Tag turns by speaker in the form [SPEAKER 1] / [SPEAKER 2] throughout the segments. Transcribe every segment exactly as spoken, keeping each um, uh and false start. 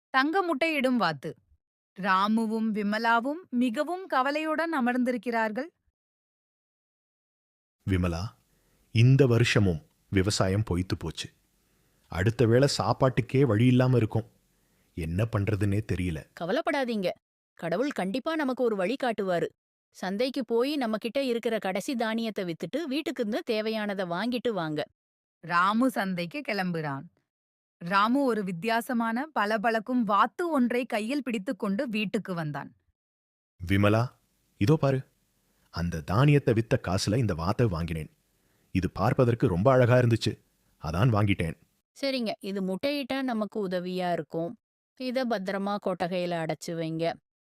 [SPEAKER 1] தங்க முட்டையிடும் வாத்து. ராமுவும் விமலாவும் மிகவும் கவலையுடன் அமர்ந்திருக்கிறார்கள்.
[SPEAKER 2] விமலா, இந்த வருஷமும் விவசாயம் பொய்த்து போச்சு. அடுத்த வேளை சாப்பாட்டுக்கே வழி இல்லாம இருக்கும். என்ன பண்றதுன்னே தெரியல.
[SPEAKER 3] கவலைப்படாதீங்க. கடவுள் கண்டிப்பா நமக்கு ஒரு வழி காட்டுவாரு. சந்தைக்கு போய் நம்ம கிட்ட இருக்கிற கடைசி தானியத்தை வித்துட்டு வீட்டுக்கு இருந்து தேவையானத வாங்கிட்டு வாங்க.
[SPEAKER 1] ராமு சந்தைக்கு கிளம்புகிறான். ராமு ஒரு வித்தியாசமான பளபளக்கும் வாத்து ஒன்றை கையில் பிடித்துக்கொண்டு வீட்டுக்கு வந்தான்.
[SPEAKER 2] விமலா, இதோ பாரு. அந்த தானியத்தை வித்த காசுல இந்த வாத்தை வாங்கினேன். இது பார்ப்பதற்கு ரொம்ப அழகா இருந்துச்சு. அதான் வாங்கிட்டேன்.
[SPEAKER 3] சரிங்க, இது முட்டையிட்டா நமக்கு உதவியா இருக்கும். இத பத்திரமா கொட்டகையில அடைச்சு வைங்க.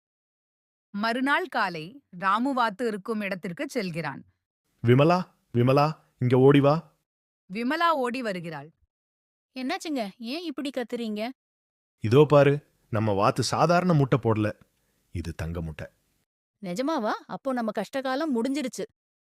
[SPEAKER 1] மறுநாள் காலை ராமு வாத்து இருக்கும் இடத்திற்கு செல்கிறான்.
[SPEAKER 2] விமலா, விமலா, இங்க ஓடி வா.
[SPEAKER 1] விமலா ஓடி வருகிறாள்.
[SPEAKER 3] என்னாச்சுங்க? ஏன் இப்படி கத்துறீங்க?
[SPEAKER 2] இதோ பாரு. நம்ம வாத்து சாதாரண முட்டை போடல. இது தங்க முட்டை.
[SPEAKER 3] நிஜமாவா? அப்போ நம்ம கஷ்டகாலம் முடிஞ்சிருச்சு.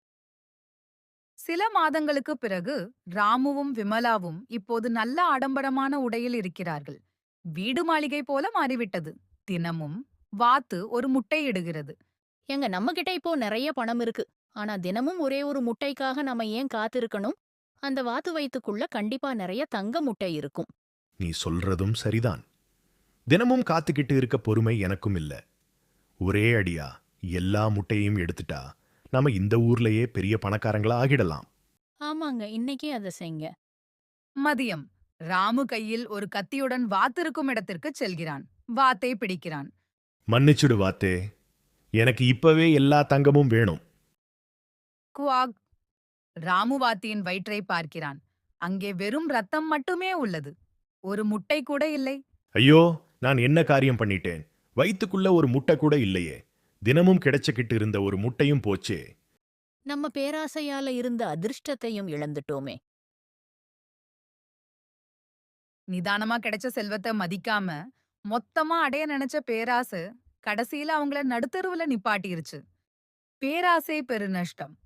[SPEAKER 1] சில மாதங்களுக்கு பிறகு ராமுவும் விமலாவும் இப்போது நல்ல ஆடம்பரமான உடையில் இருக்கிறார்கள். வீடு மாளிகை போல மாறிவிட்டது. தினமும் வாத்து ஒரு முட்டை இடுகிறது.
[SPEAKER 3] ஏங்க, நம்ம கிட்ட இப்போ நெறைய பணம் இருக்கு. ஆனா தினமும் ஒரே ஒரு முட்டைக்காக நம்ம ஏன் காத்திருக்கணும்? அந்த வாத்து வயித்துக்குள்ள கண்டிப்பா நெறைய தங்க முட்டை இருக்கும்.
[SPEAKER 2] நீ சொல்றதும் சரிதான். தினமும் காத்துக்கிட்டு இருக்க பொறுமை எனக்கும் இல்ல. ஒரே அடியா எல்லா முட்டையையும் எடுத்துட்டா நாம இந்த ஊர்லயே பெரிய பணக்காரங்களா ஆகிடலாம்.
[SPEAKER 3] ஆமாங்க, இன்னைக்கே அத செய்ங்க.
[SPEAKER 1] மதியம் ராமு கையில் ஒரு கத்தியுடன் வாத்து இருக்கும் இடத்திற்கு செல்கிறான். வாத்தை பிடிக்கிறான்.
[SPEAKER 2] மன்னிச்சுடு வாத்தே. எனக்கு இப்பவே எல்லா தங்கமும் வேணும்.
[SPEAKER 1] குவாக். ராமு வாத்தியின் வயிற்றை பார்க்கிறான். அங்கே வெறும் ரத்தம் மட்டுமே உள்ளது. ஒரு முட்டை கூட இல்லை.
[SPEAKER 2] ஐயோ, நான் என்ன காரியம் பண்ணிட்டேன்? வயித்துக்குள்ள ஒரு முட்டை கூட இல்லையே. தினமும் கிடைச்சுக்கிட்டு இருந்த ஒரு முட்டையும் போச்சே.
[SPEAKER 3] நம்ம பேராசையால இருந்த அதிர்ஷ்டத்தையும் இழந்துட்டோமே.
[SPEAKER 1] நிதானமா கிடைச்ச செல்வத்தை மதிக்காம மொத்தமா அடைய நினைச்ச பேராசை கடைசியில அவங்கள நடுத்தெருவுல நிப்பாட்டிருச்சு. பேராசை பெருநஷ்டம்.